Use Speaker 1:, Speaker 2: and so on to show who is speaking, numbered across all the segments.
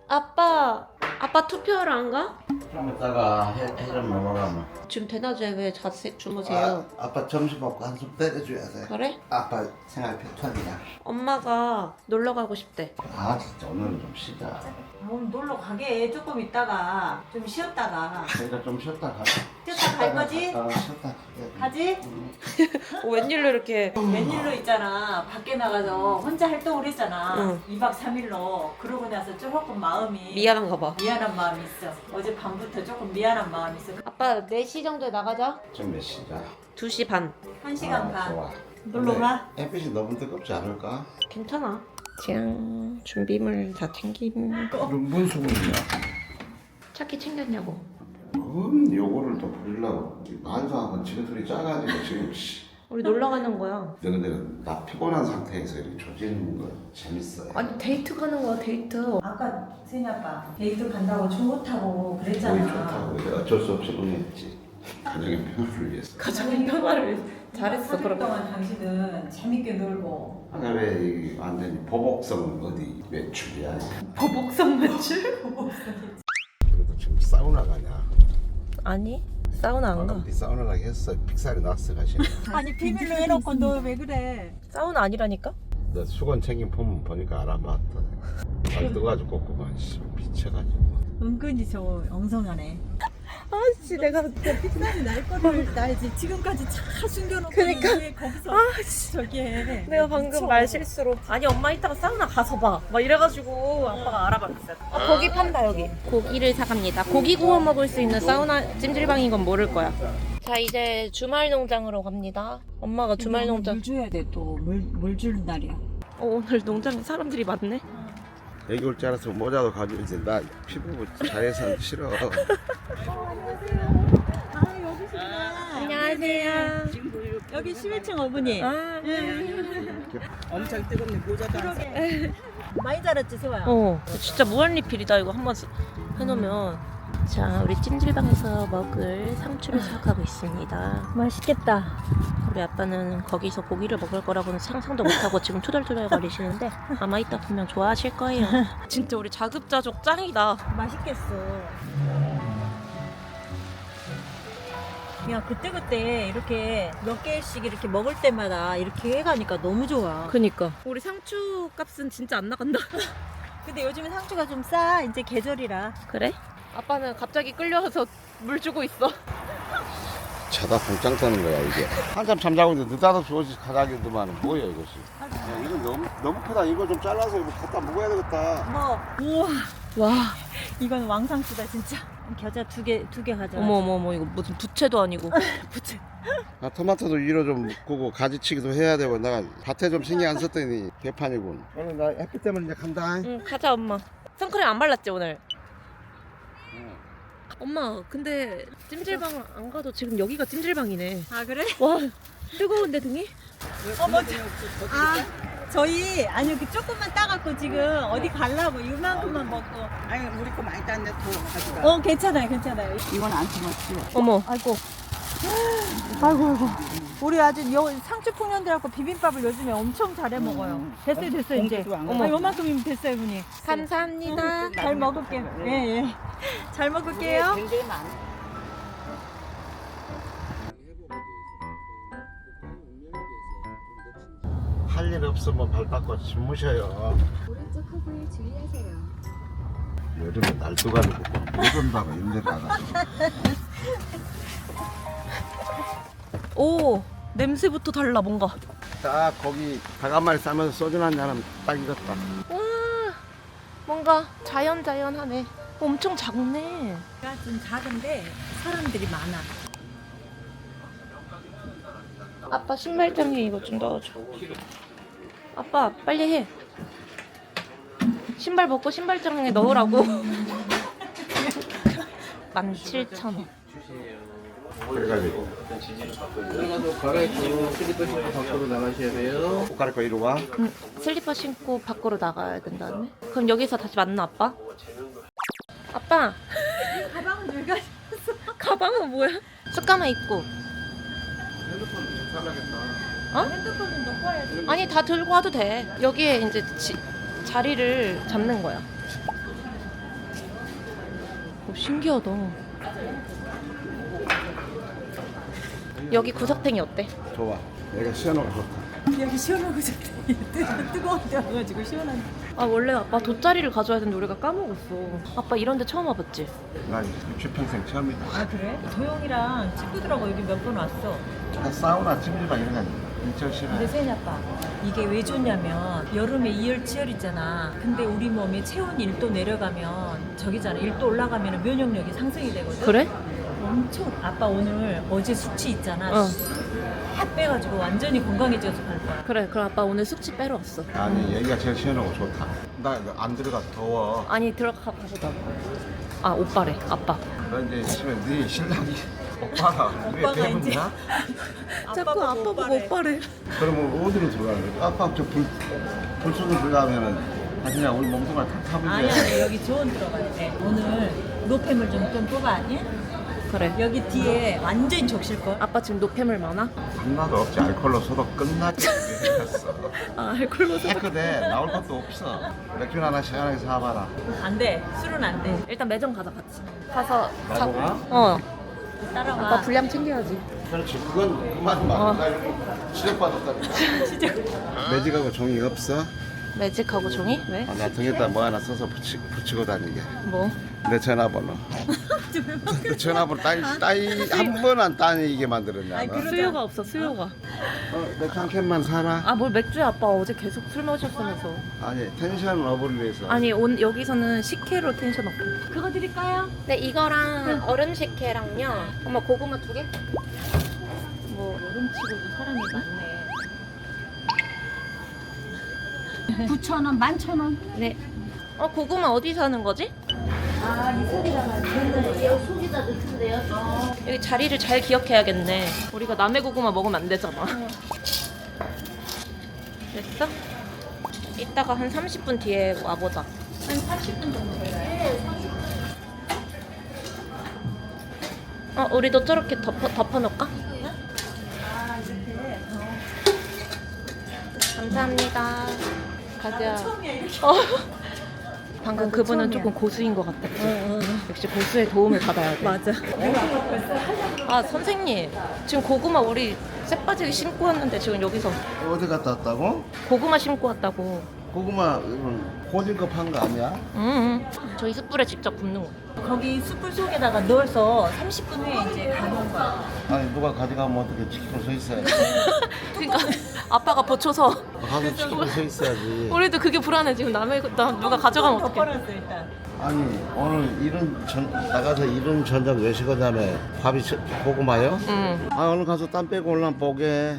Speaker 1: 아빠 투표하러 안 가?
Speaker 2: 좀 이따가 해좀 먹으라면.
Speaker 1: 지금 대낮에 왜 주무세요?
Speaker 2: 아빠 점심 먹고 한숨 때려줘야 돼.
Speaker 1: 그래?
Speaker 2: 아빠 생활 패턴이야.
Speaker 1: 엄마가 놀러 가고 싶대.
Speaker 2: 아 진짜 오늘은 좀 쉬자.
Speaker 3: 오늘 놀러 가게 조금 있다가 좀 쉬었다가
Speaker 2: 내가 좀 쉬었다 가자.
Speaker 3: 쉬었다 갈 거지?
Speaker 2: 쉬었다 가게.
Speaker 3: 가지?
Speaker 1: 웬일로 이렇게
Speaker 3: 웬일로 있잖아 밖에 나가서 혼자 활동을 했잖아
Speaker 1: 응.
Speaker 3: 2박 3일로 그러고 나서 조금 마음이
Speaker 1: 미안한가 봐.
Speaker 3: 미안한 마음이 있어 어제 밤부터 조금 미안한 마음이 있어
Speaker 1: 아빠 4시 정도에 나가자.
Speaker 2: 지금 몇 시냐?
Speaker 1: 2시 반.
Speaker 3: 1시간 반
Speaker 2: 좋아.
Speaker 3: 놀러 가?
Speaker 2: 근데 햇빛이 너무 뜨겁지 않을까?
Speaker 1: 괜찮아. 짱 준비물 다 챙김.
Speaker 2: 그럼 뭔 소금이야?
Speaker 1: 차키 챙겼냐고.
Speaker 2: 그건 요거를 또 부리려고 반성하고 지금 소리 짜가지고 지금
Speaker 1: 우리 놀러 가는 거야.
Speaker 2: 근데 나 피곤한 상태에서 이렇게 조지는 거 재밌어요.
Speaker 1: 아니 데이트 가는 거야 데이트.
Speaker 3: 아까 세니 아빠 데이트 간다고 좋다고
Speaker 2: 거의
Speaker 3: 그랬잖아
Speaker 2: 좋다고 내가 어쩔 수 없이 응했지. 가정의 평화를 위해서.
Speaker 1: 가정의 평화를 잘했어
Speaker 3: 3일
Speaker 1: 그럼.
Speaker 3: 동안 당신은 재밌게 놀고
Speaker 2: 아까 왜 완전히 보복성 어디 매출이야?
Speaker 1: 보복성 매출?
Speaker 2: 그래도 지금 사우나 가냐?
Speaker 1: 아니 사우나 안 가.
Speaker 2: 네 사우나 가게 했어. 픽살이 났어 가시네.
Speaker 3: 아니 비밀로 해놓고 너 왜 그래
Speaker 1: 사우나 아니라니까?
Speaker 2: 너 수건 챙긴 폼 보니까 알아봤다. 발 떠가지고 꺾고만 미쳐가지고.
Speaker 3: 은근히 저 엉성하네
Speaker 1: 아씨 내가
Speaker 3: 픽살이 날 거를 나 이제 지금까지 잘 숨겨놓고
Speaker 1: 그러니까.
Speaker 3: 왜 거기서 저기 해
Speaker 1: 내가 방금
Speaker 3: 미쳐.
Speaker 1: 말 실수로 아니 엄마 이따가 사우나 가서 봐 막 이래가지고 아빠가 알아봤어요. 고기 판다 여기. 고기를 사갑니다. 고기 구워 먹을 수 있는 사우나 찜질방인 건 모를 거야. 자 이제 주말 농장으로 갑니다. 엄마가 주말 농장.
Speaker 3: 물 줘야 돼또물 주는 날이야
Speaker 1: 오늘 농장에 사람들이 많네.
Speaker 2: 여기 올 줄 알았으면 모자도 가지고 이제 나 피부 자외선 싫어.
Speaker 1: 안녕하세요.
Speaker 3: 여기 11층 어머니
Speaker 1: 아,
Speaker 4: 엄청 뜨겁네 모자도 안 써.
Speaker 3: 많이 자랐지 세화야
Speaker 1: 진짜 무한리필이다 이거 한번 해놓으면. 자 우리 찜질방에서 먹을 상추를 사가고 있습니다.
Speaker 3: 맛있겠다
Speaker 1: 우리 아빠는 거기서 고기를 먹을 거라고는 상상도 못하고 지금 투덜투덜 거리시는데 아마 이따 보면 좋아하실 거예요. 진짜 우리 자급자족 짱이다.
Speaker 3: 맛있겠어 야 그때 이렇게 몇 개씩 이렇게 먹을 때마다 이렇게 해가니까 너무 좋아
Speaker 1: 그니까 우리 상추 값은 진짜 안 나간다.
Speaker 3: 근데 요즘에 상추가 좀 싸 이제 계절이라
Speaker 1: 그래? 아빠는 갑자기 끌려와서 물 주고 있어.
Speaker 2: 자다 봉짱 떠는 거야 이게. 한참 잠자고 있는데 느닷없이 오지 가자기더만 뭐야 이것이. 야, 이거 너무 크다. 이거 좀 잘라서 이거 갖다 먹어야 되겠다.
Speaker 3: 뭐 우와
Speaker 1: 와
Speaker 3: 이건 왕상추다 진짜 겨자 두 개 가져와
Speaker 1: 어머 이거 무슨 부채도 아니고.
Speaker 3: 부채
Speaker 2: 아, 토마토도 위로 좀 끄고 가지치기도 해야 되고 내가 밭에 좀 신경 안 썼더니 개판이군. 오늘 나 햇빛 때문에 이제 간다.
Speaker 1: 응 가자 엄마. 선크림 안 발랐지 오늘? 엄마 근데 찜질방 안 가도 지금 여기가 찜질방이네.
Speaker 3: 아 그래?
Speaker 1: 와 뜨거운데 등이?
Speaker 3: 저희 아니 그 조금만 따갖고 지금 어디 가려고 이만큼만 먹고
Speaker 4: 아니 우리 거 많이 땄는데 더 가져가.
Speaker 3: 괜찮아요
Speaker 4: 이건 안 심었지.
Speaker 1: 어머
Speaker 3: 아이고 우리 아주 상추 풍년들하고 비빔밥을 요즘에 엄청 잘해 먹어요 됐어요 이제
Speaker 4: 공기도 안
Speaker 3: 어머 요만큼이면 됐어요 분이
Speaker 1: 감사합니다.
Speaker 3: 잘 먹을게요 예예 잘 먹을게요
Speaker 4: 굉장히 많아.
Speaker 2: 할 일 없으면 발 닦고 주무셔요.
Speaker 5: 오른쪽 허브에 주의하세요.
Speaker 2: 여름에 날도가지고 못 온다고 힘들다가.
Speaker 1: 오 냄새부터 달라 뭔가.
Speaker 2: 딱 거기 닭 한 마리 싸면서 소주 한잔 하면 딱 익었다.
Speaker 1: 와 뭔가 자연하네. 엄청 작네.
Speaker 3: 제가 좀 작은데 사람들이 많아
Speaker 1: 아빠 신발장에 이거 좀 넣어줘. 아빠 빨리 해. 신발 벗고 신발장에 넣으라고. 17,000원.
Speaker 2: 그래가지고
Speaker 6: 들어가서 갈아입고 슬리퍼 신고 밖으로 나가셔야 돼요.
Speaker 2: 옷 갈아입고 이리 와.
Speaker 1: 응, 슬리퍼 신고 밖으로 나가야 된다네. 그럼 여기서 다시 만나 아빠? 아빠
Speaker 3: 가방은 늘 가.
Speaker 1: 가방은 뭐야? 쑥가마 입고.
Speaker 2: 핸드폰 좀 살라겠다.
Speaker 3: 핸드폰은 넣고 와야지.
Speaker 1: 아니 다 들고 와도 돼. 여기에 이제 자리를 잡는 거야. 신기하다. 여기 구석탱이 어때?
Speaker 2: 좋아. 내가 시원하고 좋다.
Speaker 3: 여기 시원하고 좋대. 뜨거운 데 와가지고 시원한.
Speaker 1: 아 원래 아빠 돗자리를 가져야 되는데 우리가 까먹었어. 아빠 이런 데 처음 와봤지?
Speaker 2: 나 유치 평생 처음이다.
Speaker 3: 아 그래? 도영이랑 친구들하고 여기 몇 번 왔어.
Speaker 2: 나 사우나 찜질방 이런 건 진짜 싫어.
Speaker 3: 근데 세연이 아빠 이게 왜 좋냐면 여름에 이열치열이잖아. 근데 우리 몸이 체온이 1도 내려가면 저기잖아. 1도 올라가면 면역력이 상승이 되거든.
Speaker 1: 그래?
Speaker 3: 엄청. 아빠 오늘 어제 숙취 있잖아.
Speaker 1: 어.
Speaker 3: 다 빼가지고 완전히 건강해져서 갈 거야.
Speaker 1: 그래 그럼 아빠 오늘 숙취 빼러 왔어.
Speaker 2: 아니 여기가 제일 시원하고 좋다. 나 이거 안 들어가 더워.
Speaker 1: 아니 들어가 보자. 아 오빠래 아빠.
Speaker 2: 너 이제 있으면 네 신랑이 오빠가 우리
Speaker 3: 오빠가
Speaker 2: 대문이야?
Speaker 1: 자꾸 아빠 보고 오빠래.
Speaker 2: 그러면 어디로 들어가는 거야? 아빠 저불 속으로 들어가면은 그냥 우리 몸뚱아리 다 타버려.
Speaker 3: 아니야 여기 조언 들어가야 돼. 오늘 노폐물 좀 뽑아. 예?
Speaker 1: 그래.
Speaker 3: 여기 뒤에 완전히 적실걸.
Speaker 1: 아빠 지금 노폐물 많아?
Speaker 2: 하나도 없지. 알콜로 소독 끝나지. 생겼어.
Speaker 1: 아 알콜로 소.
Speaker 2: 깨끗해. 나올 것도 없어. 맥주 하나 시원하게 사봐라.
Speaker 3: 안 돼. 술은 안 돼.
Speaker 1: 일단 매점 가자 같이. 가서
Speaker 2: 나도 가?
Speaker 1: 어.
Speaker 3: 따라와.
Speaker 1: 아빠 분량 챙겨야지.
Speaker 2: 그렇지. 그건 그만 말. 나 여기 지적받았다니까.
Speaker 3: 진짜.
Speaker 2: 매직하고 종이 없어?
Speaker 1: 매직하고 종이? 왜?
Speaker 2: 아, 나 등에다 뭐 하나 써서 붙이고 다니게.
Speaker 1: 뭐?
Speaker 2: 내 전화번호. 내 전화번호 따위 한 번 안 따이게 만들었냐?
Speaker 3: 아이,
Speaker 2: 너?
Speaker 3: 그러자.
Speaker 1: 수요가 없어 수요가.
Speaker 2: 맥주 한 캔만 사라.
Speaker 1: 아 뭘 맥주야 아빠 어제 계속 술 마셨으면서.
Speaker 2: 아니 텐션 업을 위해서.
Speaker 1: 아니 여기서는 식혜로 텐션 업고. 그거 드릴까요? 네 이거랑 얼음 식혜랑요. 엄마 고구마 2개? 뭐 얼음치고도 사람이 많네.
Speaker 3: 9,000원, 11,000원.
Speaker 1: 네. 고구마 어디 사는 거지?
Speaker 3: 아, 이 소리가
Speaker 1: 여기 속에다 넣던데요. 여기 자리를 잘 기억해야겠네. 우리가 남의 고구마 먹으면 안 되잖아. 됐어? 이따가 한 30분 뒤에 와보자.
Speaker 3: 한 40분 정도 걸려요.
Speaker 1: 우리도 저렇게 덮어놓을까? 감사합니다. 가자. 방금 그분은 조금 고수인 것 같았지. 역시 고수의 도움을 받아야 돼.
Speaker 3: 맞아.
Speaker 1: 아 선생님, 지금 고구마 우리 쇠바지를 신고 왔는데 지금 여기서
Speaker 2: 어디 갔다 왔다고?
Speaker 1: 고구마 심고 왔다고.
Speaker 2: 고구마 이건 호진급 한 거 아니야?
Speaker 1: 저희 숯불에 직접 굽는 거.
Speaker 3: 거기 숯불 속에다가 넣어서 30분 후에 이제 가는 거야.
Speaker 2: 아니 누가 가져가면 어떻게 지키고 서 있어야지.
Speaker 1: 그러니까 아빠가 버쳐서
Speaker 2: 가서 지키고 서 있어야지.
Speaker 1: 우리도 그게 불안해. 지금 누가 가져가면 어떡해.
Speaker 3: 덮어놨어 일단.
Speaker 2: 아니 오늘 나가서 이런 저녁 외식하자며 밥이 고구마요?
Speaker 1: 응.
Speaker 2: 아 오늘 가서 땀 빼고 올라면 보게.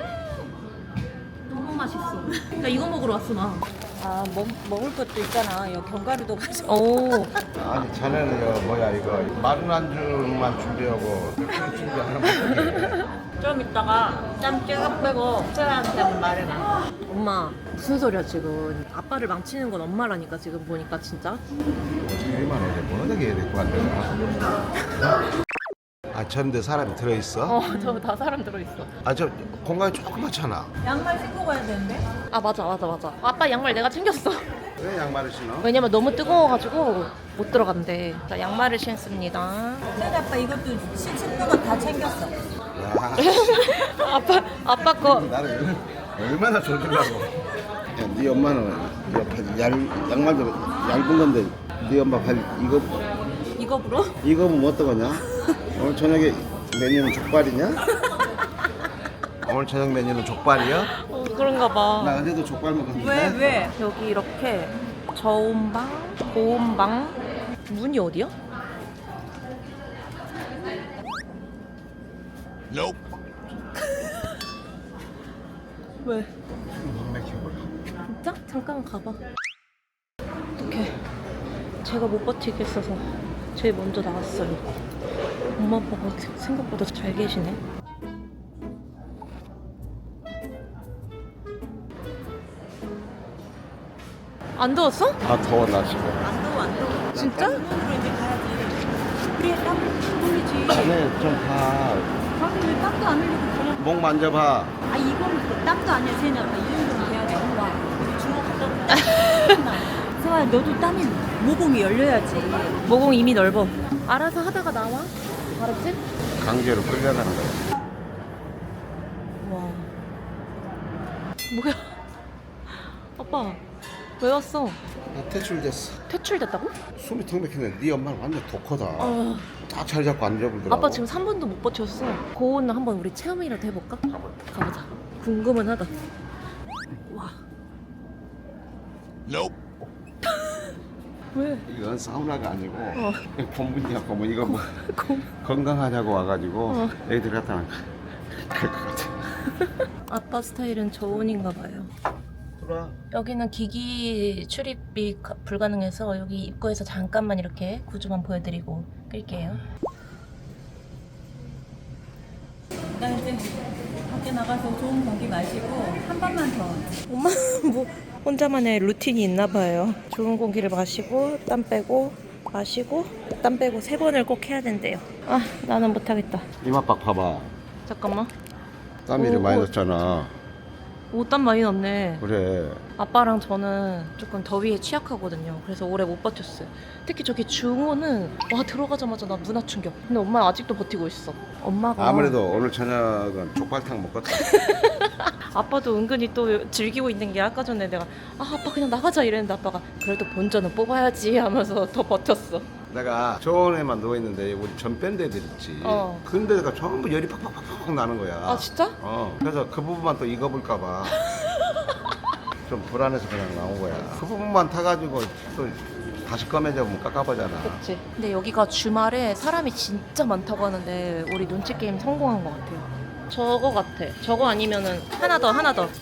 Speaker 1: 너무 맛있어. 나 이거 먹으러 왔어 나.
Speaker 3: 아, 먹을 것도 있잖아. 여기 견과류도 가지고.
Speaker 1: 오.
Speaker 2: 아니 자네는 이거 뭐야 이거 마른 안주만 준비하고 맥주 준비 안 하면
Speaker 3: 좀 이따가 땀 쫙 빼고 사람한테 말해봐.
Speaker 1: 엄마 무슨 소리야 지금. 아빠를 망치는 건 엄마라니까 지금 보니까 진짜.
Speaker 2: 이만 해야 돼. 뭐 어떻게 해야 될 것 같아. 아 저런데 사람이 들어있어?
Speaker 1: 저 다 사람 들어있어.
Speaker 2: 아 저 공간이 조그맣잖아.
Speaker 3: 양말 신고 가야 되는데?
Speaker 1: 아 맞아. 아빠 양말 내가 챙겼어.
Speaker 2: 왜 양말을 신어?
Speaker 1: 왜냐면 너무 뜨거워가지고 못 들어간대. 자 양말을 신습니다.
Speaker 3: 세대 아빠 이것도 신는 거 다 챙겼어.
Speaker 2: 야,
Speaker 1: 아빠 거.
Speaker 2: 나를 얼마나 조질라고. 야, 네 엄마는 양말도 얇은 건데 네 엄마 발
Speaker 1: 이거 불어?
Speaker 2: 이거 보면 어떡하냐? 오늘 저녁에 메뉴는 족발이냐? 오늘 저녁 메뉴는 족발이야?
Speaker 1: 그런가 봐.
Speaker 2: 나 어제도 족발 먹었는데.
Speaker 3: 왜?
Speaker 1: 여기 이렇게 저온방, 고온방. 문이 어디야? 왜? 진짜? 잠깐 가봐. 어떡해. 제가 못 버티겠어서 제일 먼저 나왔어요. 엄마 아빠가 생각보다 잘 계시네. 안 더웠어?
Speaker 2: 아 더워 나 지금.
Speaker 3: 안 더워.
Speaker 1: 진짜?
Speaker 3: 병원으로 이제 가야지. 그래 땀 흘리지.
Speaker 2: 네, 좀 봐.
Speaker 3: 그런데 왜 땀도 안 흘리고 그냥.
Speaker 2: 목 만져봐.
Speaker 3: 아 이건 땀도 아니야 세냐. 이 정도는 돼야 돼. 와 우리 주먹 갖다 놓자. 세아야 너도 땀이 모공이 열려야지.
Speaker 1: 모공 이미 넓어. 알아서 하다가 나와. 알았지?
Speaker 2: 강제로 끌려가는 거야.
Speaker 1: 와. 뭐야? 아빠 왜 왔어?
Speaker 2: 나 퇴출됐어.
Speaker 1: 퇴출됐다고?
Speaker 2: 숨이 턱 막히네. 네 엄마는 완전 독하다.
Speaker 1: 어.
Speaker 2: 딱 자리 잡고 앉아보더라고.
Speaker 1: 아빠 지금 3분도 못 버텼어. 고온 한번 우리 체험이라도 해볼까? 가보자. 궁금은 하다. 와. 왜?
Speaker 2: 이건 사우나가 아니고
Speaker 1: 어.
Speaker 2: 본분이야 본분. 이거 뭐 건강하냐고 와가지고 애들 갖다 놔. 그럴 것 같아.
Speaker 1: 아빠 스타일은 저온인가 봐요.
Speaker 2: 들어와.
Speaker 1: 여기는 기기 출입이 불가능해서 여기 입구에서 잠깐만 이렇게 구조만 보여드리고 끌게요.
Speaker 3: 나 이제 밖에 나가서 좋은 공기 마시고 한 번만 더.
Speaker 1: 엄마 뭐 혼자만의 루틴이 있나 봐요. 좋은 공기를 마시고 땀 빼고 마시고 땀 빼고 3번을 꼭 해야 된대요. 아 나는 못하겠다.
Speaker 2: 이마박 봐봐.
Speaker 1: 잠깐만.
Speaker 2: 땀이 이렇게
Speaker 1: 오,
Speaker 2: 많이
Speaker 1: 오.
Speaker 2: 났잖아.
Speaker 1: 옷땀 많이 났네.
Speaker 2: 그래.
Speaker 1: 아빠랑 저는 조금 더위에 취약하거든요. 그래서 오래 못 버텼어요. 특히 저기 중호는 와 들어가자마자 나 문화 충격. 근데 엄마 아직도 버티고 있어. 엄마가
Speaker 2: 아무래도 오늘 저녁은 족발탕 먹었다.
Speaker 1: 아빠도 은근히 또 즐기고 있는 게 아까 전에 내가 아빠 그냥 나가자 이랬는데 아빠가 그래도 본전은 뽑아야지 하면서 더 버텼어.
Speaker 2: 내가 저온에만 누워있는데 우리 전 밴드 애들 있지.
Speaker 1: 어.
Speaker 2: 근데가 전부 열이 팍팍팍팍 나는 거야.
Speaker 1: 아 진짜?
Speaker 2: 그래서 그 부분만 또 익어볼까봐 좀 불안해서 그냥 나온 거야. 그 부분만 타가지고 또 다시 꺼매져 보면 깝깝하잖아.
Speaker 1: 그치. 근데 여기가 주말에 사람이 진짜 많다고 하는데 우리 눈치 게임 성공한 것 같아요. 저거 같아. 저거 아니면은 하나 더.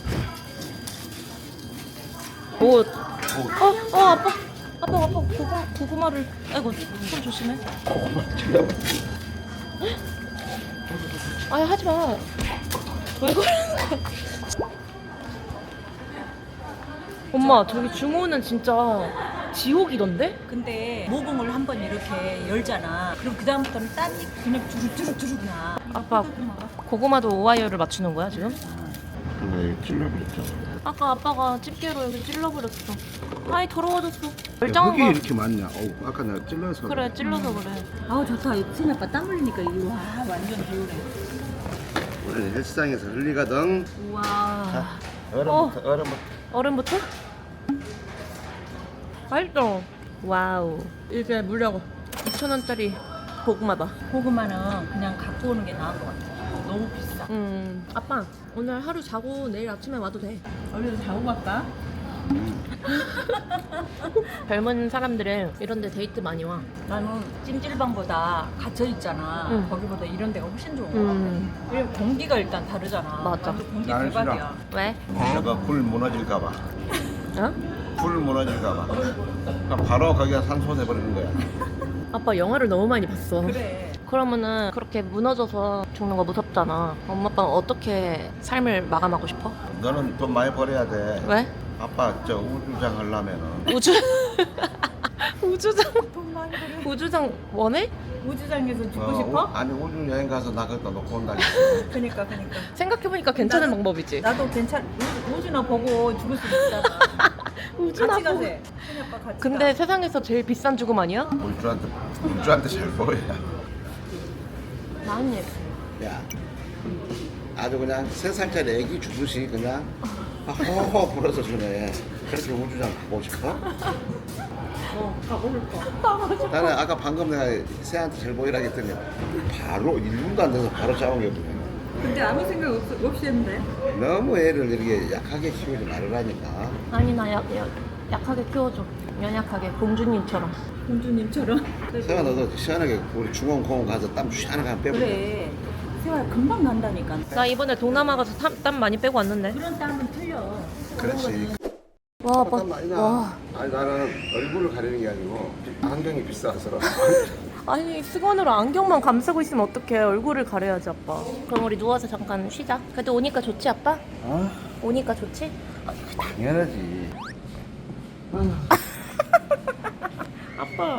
Speaker 1: 옷. 아빠 고구마를. 아이고 손 조심해. 아니 하지 마. 왜 그러는 거야? 엄마 저기 중호는 진짜 지옥이던데?
Speaker 3: 근데 모공을 한 번 이렇게 열잖아. 그럼 그 다음부터는 땀이 그냥 주룩주룩 나.
Speaker 1: 아빠 고구마도 오하이어를 맞추는 거야 지금?
Speaker 2: 근데 찔러버렸죠.
Speaker 1: 아까 아빠가 집게로 여기 찔러버렸어. 아이 더러워졌어.
Speaker 2: 흙이
Speaker 1: 멀쩡한 거.
Speaker 2: 이렇게 많냐? 아까 내가 찔러서.
Speaker 1: 그래 찔러서 그래.
Speaker 3: 아우 좋다. 승희 아빠 땀 흘리니까 이거 와 완전 개운해.
Speaker 2: 오늘 헬스장에서 흘리거든.
Speaker 1: 우와.
Speaker 2: 얼음부터.
Speaker 1: 얼음부터? 맛있어. 와우. 이게 무려 2,000원짜리 고구마다.
Speaker 3: 고구마는 그냥 갖고 오는 게 나은 것 같아. 너무 비싸.
Speaker 1: 아빠 오늘 하루 자고 내일 아침에 와도 돼.
Speaker 3: 얼른 자고 갈까?
Speaker 1: 젊은 사람들은 이런 데 데이트 많이 와.
Speaker 3: 나는 찜질방보다 갇혀 있잖아.
Speaker 1: 응.
Speaker 3: 거기보다 이런 데가 훨씬 좋은 것 같아. 왜냐면 공기가 일단 다르잖아.
Speaker 1: 맞아.
Speaker 3: 완전 공기
Speaker 2: 나는 싫어.
Speaker 3: 대박이야.
Speaker 1: 왜?
Speaker 2: 저거 굴 무너질까봐.
Speaker 1: 어?
Speaker 2: 굴 무너질까봐. 그럼 바로 거기가 산소 돼버리는 거야.
Speaker 1: 아빠 영화를 너무 많이 봤어.
Speaker 3: 그래.
Speaker 1: 그러면은 그렇게 무너져서 죽는 거 무섭잖아. 엄마 아빠는 어떻게 삶을 마감하고 싶어?
Speaker 2: 너는 돈 많이 벌어야 돼.
Speaker 1: 왜?
Speaker 2: 아빠 저 우주장 하려면은
Speaker 1: 우주 우주장
Speaker 3: 돈 많이 들여.
Speaker 1: 우주장 원해?
Speaker 3: 우주장에서 죽고 싶어?
Speaker 2: 아니 우주 여행 가서 나 그거 놓고 온다니까.
Speaker 3: 그니까.
Speaker 1: 생각해보니까 괜찮은
Speaker 3: 나도-
Speaker 1: 방법이지.
Speaker 3: 나도 우주나 보고 죽을 수 있잖아.
Speaker 1: 우주나
Speaker 3: 같이
Speaker 1: 보고.
Speaker 3: 가세. 승희 아빠 같이
Speaker 1: 근데
Speaker 3: 가.
Speaker 1: 세상에서 제일 비싼 죽음 아니야?
Speaker 2: 우주한테 잘 보여.
Speaker 1: 나은님.
Speaker 2: 야, 아주 그냥 3살짜리 애기 주듯이 그냥 호호 불어서 주네. 그렇게 우주장 가고 싶어?
Speaker 3: 가고 싶어.
Speaker 2: 나는 아까 방금 내가 새한테 잘 보이라 했더니 바로 1분도 안 돼서 바로 잡아오거든.
Speaker 3: 근데 아무 생각 없이 했는데.
Speaker 2: 너무 애를 이렇게 약하게 키우지 말으라니까.
Speaker 1: 아니 나 약하게 키워줘. 연약하게 공주님처럼.
Speaker 3: 공주님처럼.
Speaker 2: 세아 너도 시원하게 우리 중원공원 가서 땀 시원하게 한번 빼보자.
Speaker 3: 그래. 세월 금방 난다니까.
Speaker 1: 나 이번에 동남아 가서 땀 많이 빼고 왔는데.
Speaker 3: 그런 땀은 틀려.
Speaker 2: 그렇지.
Speaker 1: 와 아빠.
Speaker 2: 땀 많이 나.
Speaker 1: 와.
Speaker 2: 아니 나는 얼굴을 가리는 게 아니고 안경이 비싸서.
Speaker 1: 아니 수건으로 안경만 감싸고 있으면 어떡해. 얼굴을 가려야지 아빠. 그럼 우리 누워서 잠깐 쉬자. 그래도 오니까 좋지 아빠?
Speaker 2: 어?
Speaker 1: 오니까 좋지?
Speaker 2: 당연하지.
Speaker 1: 아빠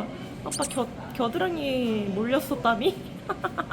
Speaker 1: 겨드랑이 몰렸어 땀이?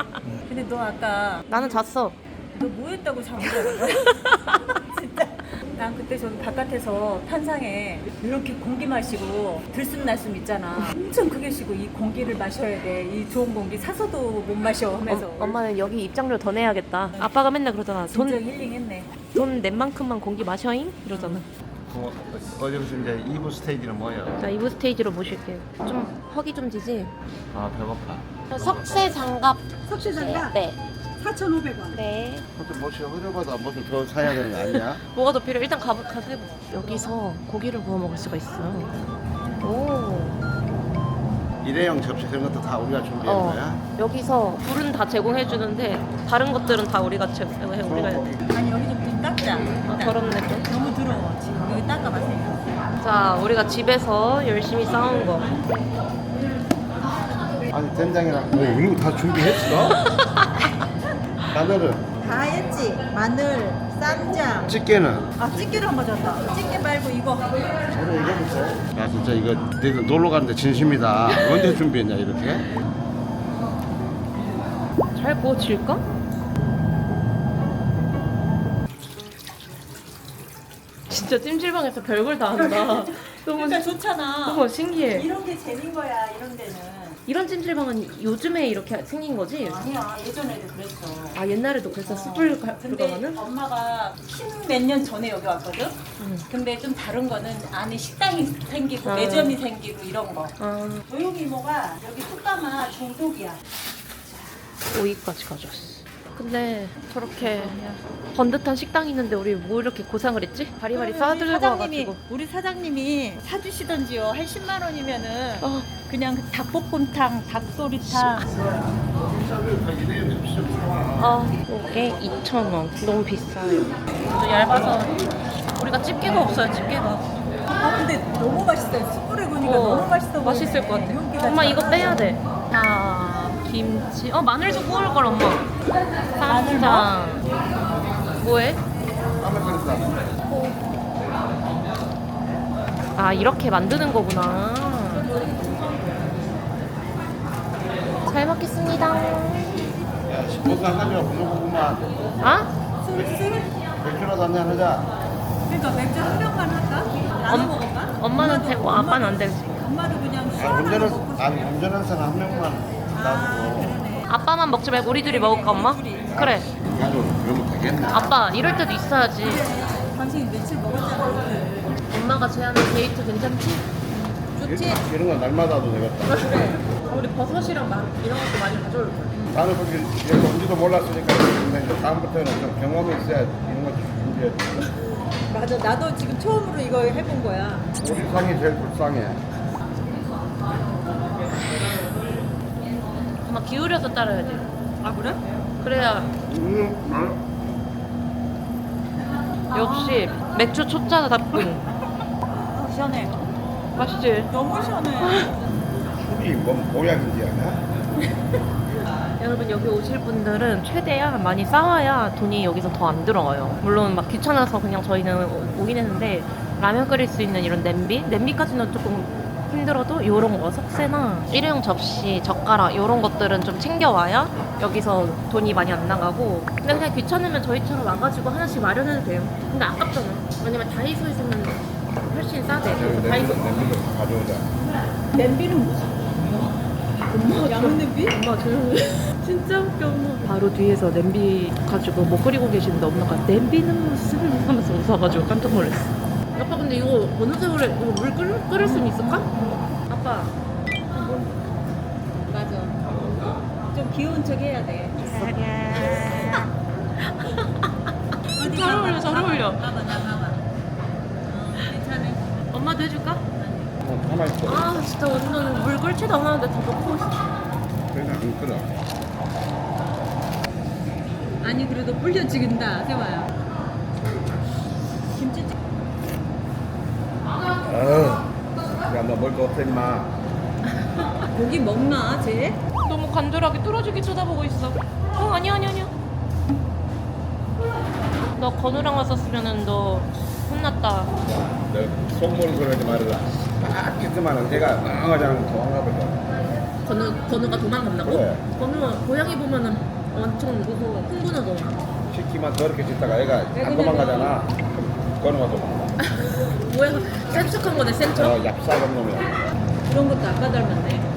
Speaker 3: 근데 너 아까
Speaker 1: 나는 잤어.
Speaker 3: 너 뭐 했다고 잠을 자는 거야? 진짜. 난 그때 저기 바깥에서 탄상에 이렇게 공기 마시고 들숨날숨 있잖아. 엄청 크게 쉬고 이 공기를 마셔야 돼. 이 좋은 공기 사서도 못 마셔 하면서.
Speaker 1: 엄마는 여기 입장료 더 내야겠다. 아빠가 맨날 그러잖아.
Speaker 3: 진짜 힐링했네.
Speaker 1: 돈 낸 만큼만 공기 마셔잉? 이러잖아.
Speaker 2: 어디서 이제 2부 스테이지는 뭐예요?
Speaker 1: 자, 2부 스테이지로 모실게요. 좀 허기 좀 지지?
Speaker 2: 아 배고파.
Speaker 1: 석쇠 장갑.
Speaker 4: 석쇠장갑
Speaker 1: 네.
Speaker 4: 4,500원.
Speaker 1: 네.
Speaker 2: 그것도 뭐시 흐려봐도 무슨 더 사야 되는 거 아니야?
Speaker 1: 뭐가 더 필요해? 일단 가보자. 여기서 고기를 구워 먹을 수가 있어. 오.
Speaker 2: 일회용 접시 그런 것도 다 우리가 준비한 거야?
Speaker 1: 여기서 불은 다 제공해 주는데 다른 것들은 다 우리가 우리가 해야 돼.
Speaker 3: 아니 여기 좀 닦자.
Speaker 1: 아, 더럽네 또.
Speaker 3: 너무 더러워. 지금 여기 닦아봤어요.
Speaker 1: 자, 우리가 집에서 열심히 싸운 거.
Speaker 2: 아니 된장이랑 뭐 이런 거 다 준비했어? 마늘은?
Speaker 3: 다 했지. 마늘, 쌈장.
Speaker 2: 집게는?
Speaker 3: 아 찌개를 한 번 줬다. 찌개 말고 이거.
Speaker 2: 저는 이거부터. 야 진짜 이거 너희들 놀러 가는데 진심이다. 언제 준비했냐 이렇게?
Speaker 1: 잘 구워질까? 진짜 찜질방에서 별걸 다 한다. 너무
Speaker 3: 그러니까 좋잖아.
Speaker 1: 너무 신기해.
Speaker 3: 이런 게 재밌는 거야. 이런 데는.
Speaker 1: 이런 찜질방은 요즘에 이렇게 생긴 거지?
Speaker 3: 아니야. 예전에도 그랬어.
Speaker 1: 아, 옛날에도 그랬어. 숯불
Speaker 3: 근데
Speaker 1: 불가마는?
Speaker 3: 엄마가 10몇 년 전에 여기 왔거든? 근데 좀 다른 거는 안에 식당이 생기고
Speaker 1: 아.
Speaker 3: 매점이 생기고 이런 거.
Speaker 1: 아,
Speaker 3: 조용히 이모가 여기 숯가마 중독이야.
Speaker 1: 오이까지 가져왔어. 근데 저렇게 번듯한 식당이 있는데 우리 뭐 이렇게 고생을 했지? 바리바리 싸들고 와가지고.
Speaker 3: 우리 사장님이 사주시던지요. 한 10만 원이면은
Speaker 1: 어,
Speaker 3: 그냥 닭볶음탕, 닭도리탕.
Speaker 1: 이게 2,000원. 너무 비싸요. 또 얇아서 우리가 집게가 없어요, 집게가.
Speaker 3: 아 근데 너무 맛있어요. 숯불에 구우니까 너무 맛있어 보이네.
Speaker 1: 맛있을 것 같아.
Speaker 3: 윤기가
Speaker 1: 엄마 이거
Speaker 3: 잘
Speaker 1: 빼야
Speaker 3: 나서.
Speaker 1: 돼. 자, 김치. 마늘 좀 구울 걸 엄마.
Speaker 3: 마늘
Speaker 1: 쌈장. 뭐해? 아, 이렇게 만드는 거구나. 잘 먹겠습니다.
Speaker 2: 야 10분 가지고 부족하구만.
Speaker 1: 아?
Speaker 3: 술?
Speaker 2: 맥주라도 한잔 하자.
Speaker 3: 그러니까 맥주 한 병만 할까? 나눠 먹을까?
Speaker 1: 엄마는 되고 아빠는 안 되지.
Speaker 3: 엄마도 그냥 술
Speaker 2: 아,
Speaker 3: 하나
Speaker 2: 운전은
Speaker 3: 먹고
Speaker 2: 아니 운전하는 사람 한 명만 놔두고
Speaker 3: 그러네.
Speaker 1: 아빠만 먹지 말고 우리 둘이 먹을까, 엄마? 그래.
Speaker 2: 가지고 그러면 되겠네.
Speaker 1: 아빠, 이럴 때도 있어야지.
Speaker 3: 당신 며칠 먹었잖아.
Speaker 1: 엄마가 제안한 데이트 괜찮지? 좋지?
Speaker 2: 이런 건 날마다 도 되겠다.
Speaker 1: 우리 버섯이랑 이런 것도 많이 가져올 거야.
Speaker 2: 나는 그렇게 여기 온지도 몰랐으니까 근데 이제 다음부터는 좀 경험이 있어야 이런 거 준비해.
Speaker 3: 맞아. 나도 지금 처음으로 이거 해본 거야.
Speaker 2: 우리 상이 제일 불쌍해.
Speaker 1: 엄마 기울여서 따라야 돼.
Speaker 3: 아 그래?
Speaker 1: 그래야 역시 맥주 초짜답군.
Speaker 3: 아, 시원해.
Speaker 1: 맛있지?
Speaker 3: 너무 시원해.
Speaker 2: 술이 뭔 보약인지 아냐?
Speaker 1: 여러분 여기 오실 분들은 최대한 많이 싸와야 돈이 여기서 더 안 들어가요. 물론 막 귀찮아서 그냥 저희는 오긴 했는데 라면 끓일 수 있는 이런 냄비까지는 조금 힘들어도 이런 거 석쇠나 일회용 접시, 젓가락 이런 것들은 좀 챙겨와야 여기서 돈이 많이 안 나가고 근데 그냥 귀찮으면 저희처럼 와가지고 하나씩 마련해도 돼요. 근데 아깝잖아. 왜냐면 다이소에서는 훨씬 싸대. 다이소
Speaker 2: 냄비도 가져오자.
Speaker 3: 냄비는 무슨? 엄마 양은 냄비?
Speaker 1: 엄마 조용히 진짜 웃겨. 엄마 바로 뒤에서 냄비 가지고 뭐 끓이고 계시는데 엄마가 냄비는 무슨 하면서 웃어가지고 깜짝 놀랐어. 아빠 근데 이거 어느 세월에 이거 물 끓일 수 있을까? 아빠
Speaker 3: 맞아. 좀 귀여운 척 해야 돼.
Speaker 1: 잘 어울려 잘 어울려.
Speaker 3: 봐봐 나 봐봐. 괜찮아.
Speaker 1: 엄마도 해줄까?
Speaker 2: 가만히 있어.
Speaker 1: 아 진짜 완전 물 끓지도 않았는데 다 넣고 있어.
Speaker 2: 그러니까 안 끓어.
Speaker 3: 아니 그래도 불려 지긴다 세화야. 김치찌개.
Speaker 2: 야너 뭘 거 없어 임마.
Speaker 3: 고기 먹나 쟤?
Speaker 1: 너무 간절하게 뚫어지게 쳐다보고 있어. 아니야 너 건우랑 왔었으면은 너 혼났다.
Speaker 2: 너 속물 그러지 말아라. 딱 했지만은 걔가 망하자는 도망가 버려.
Speaker 1: 건우가 도망간다고?
Speaker 2: 그래.
Speaker 1: 건우가 고양이 보면은 엄청 무서워. 흥분하고.
Speaker 2: 시키만 더럽게 짓다가 얘가 안 도망가잖아. 그럼 꺼내봐도
Speaker 1: 뭐야 센척한 거네 센척.
Speaker 2: 얍삽한 놈이야.
Speaker 3: 그런 것도 아빠 닮았네.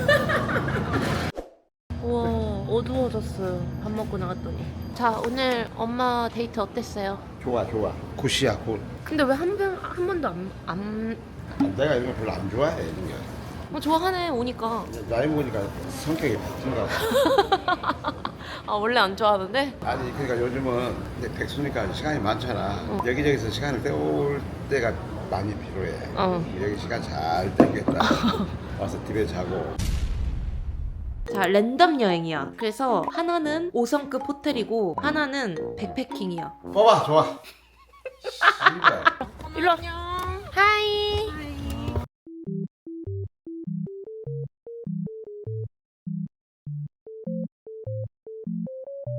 Speaker 1: 우와 어두워졌어요. 밥 먹고 나갔더니. 자 오늘 엄마 데이트 어땠어요?
Speaker 2: 좋아 좋아. 굿이야 굿.
Speaker 1: 근데 왜 한 번도 안
Speaker 2: 내가 이런 거 별로 안 좋아해 이런 게.
Speaker 1: 좋아하네 오니까.
Speaker 2: 나이 먹으니까 성격이 바뀐가.
Speaker 1: 아 원래 안 좋아하는데?
Speaker 2: 아니 그러니까 요즘은 이제 백수니까 시간이 많잖아. 여기저기서 시간을 때울 때가 많이 필요해. 여기 시간 잘 땡겼다. 와서 집에 자고.
Speaker 1: 자 랜덤 여행이야. 그래서 하나는 5성급 호텔이고 하나는 백패킹이야.
Speaker 2: 뽑아 좋아.
Speaker 1: 일로 와. 하이.